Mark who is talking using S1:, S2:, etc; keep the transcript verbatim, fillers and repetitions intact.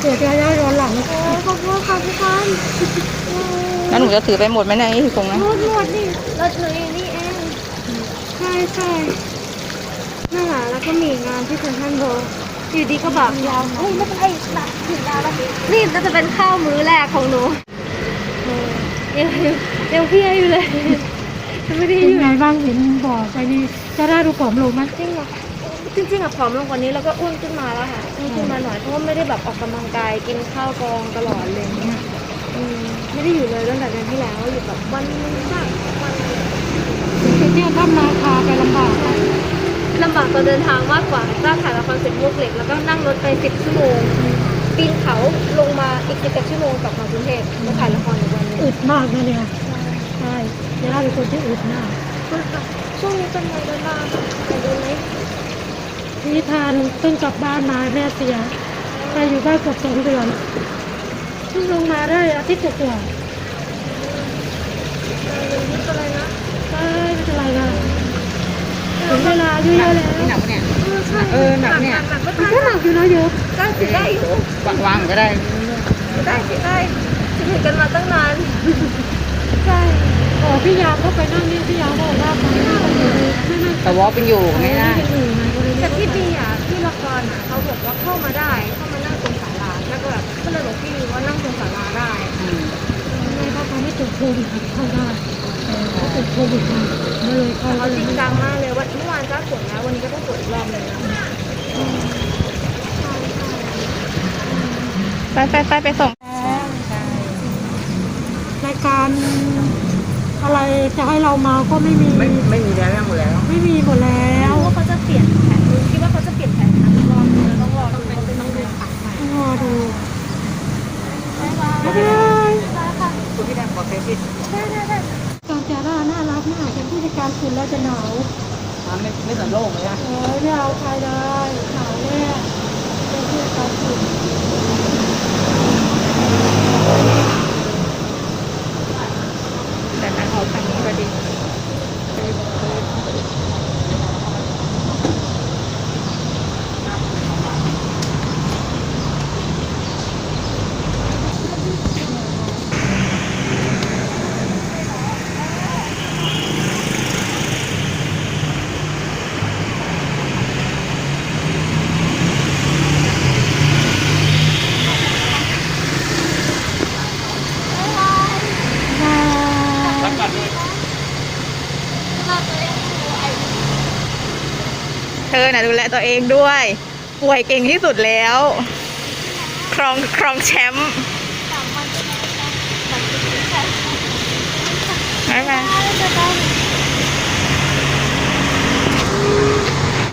S1: เดี๋ยวจะได้ร้อนหลังนะ
S2: โอ้ขอบคุณค่ะพี่กัน
S3: แล้วหนูจะถือไปหมดไหมเนี่ยที่ตรงนั้น
S2: หมดหมดนี่รถหนูเองนี่เองใช่ใช่นั่นแหละแล้วก็มีงานที่เซ็นทรัลเวิลด์อยู่ดีก็แบบยาวเฮ้ยไม่เป็นไรนะถึงแล้วแล้วนี่น่าจะเป็นข้าวมื้อแรกของหนูเออยังยังยังเพลียอยู่เลยไม่ได้
S1: เป็น
S2: อยู่
S1: ไงบ้างเห็นบอกไปนี่จะได้ดูผอมลงไหม
S2: จริงเหรอจริงๆอะผอมลงกว่านี้แล้วก็อ้วนขึ้นมาแล้วค่ะอ้วนขึ้นมาหน่อยเพราะว่าไม่ได้แบบออกกำลังกายกินข้าวกองตลอดเลยเนี่ยอืมไม่ได้อยู่เลยตั้งแต่เดือนที่แล้วอยู่แบบวันนึงบ้างวันนึง
S1: ไปเที่ยวถ้ำนาคาไปลำบากไหม
S2: ลำบากตอนเดินทางมากกว่าก็ถ่ายละครเสร็จมวกเหล็กแล้วก็นั่งรถไปสิบชั่วโมงปีนเขาลงมาอีกสิบเอ็ดชั่วโมงกลับมากรุงเทพแล้วถ่ายละครอีกวันหนึง
S1: อึดมากนะเนี่ยใช่จะได้เป็นคนที่อึดมาก
S2: ช่วงนี้เป็นไงบ้างคะไปดูไหม
S1: นิทานเพิ่งกลับบ้านมาแม่เสียไปอยู่บ้านเกือบสองเดือนเพิ่งลงมาได้อาทิตย์กว่า
S2: นี่เป็นอะไรนะ
S1: ๆใช่ไม่เป็นไรนะถึงเวลาอายุเยอะแล้ว
S3: นี่หนักปะเนี่ย
S2: เออใช่
S3: เออหนักเนี่ย
S2: หนักก็
S1: มัน
S2: ได้
S1: ก็หนักอยู่นะโยก
S2: ได้สิได้อยู่
S3: วางวางก็ได้
S2: ได้สิได้จะอยู่กันมาตั้งนานใช่
S1: อ๋อพี่ยามเขาไปนั่งนี่พี่ยามบอกว่าไปนั่งกันอยู่เลยไม่นั่ง
S3: แต่วอลเป็นอยู่ไม่ได้
S1: เป็นอยู่ไงก็เลย
S2: แต่
S1: ไม่
S2: ที่
S1: ได้
S2: ดีอ่ะที่ละครอ่ะเขาบอกว่าเข้ามาได้เข้ามานั่งตรงศาลาแล้วก็แบบก็เลยบอกพี่ว่านั่งตรงศาลาได้
S3: อืม
S1: ไม่เขาเขาไม่ติดโควิดเข้าได้แต่เขาติดโควิดมาก็เลยเข้า
S2: เขา
S1: ก็เล
S2: จ
S1: ย
S2: ริง
S1: ไม่
S2: จั
S1: ได้
S2: งมากเลยว่าเมื่อวานก็ตรวจแล้ววันนี้ก็ต้องตรวจอีกรอบหนึงนะใช่ใช่
S3: ไปไปไปไปส่ง
S1: รายการอะไรจะให้เรามาก็ไม่มี
S3: ไม่ไม่มีแล้วยังหมดแล้ว
S1: ไม่มีหมดแล้
S2: แล้ว วว่าเขาจะเปลี่ยนแผนดูคิดว่าเขาจะเปลี่ยนแผนทันรอบนึงต้องรอดูว่าเป็นยังไงค่ะ
S1: ต้องรอดู
S2: บ๊ายบาย
S1: บ๊ายบาย
S2: ค่ะ
S3: คุณพี่แดงขอเฟซบุ๊ก
S2: ได้ได้ได้
S1: การจาร่าน่ารักมากเป็นผู้จัดการคุณแล้วจะหนาว
S3: ไม่ไม่สันโลกเลยนะ
S1: เออไม่เอาใครได้หนาวแน่เป็นผู้จัดการคุณ
S3: แต่นั้นเอาทางนี้ก็ดี เธอน่ะดูแลตัวเองด้วย ป่วยเก่งที่สุดแล้ว ครองครองแชมป์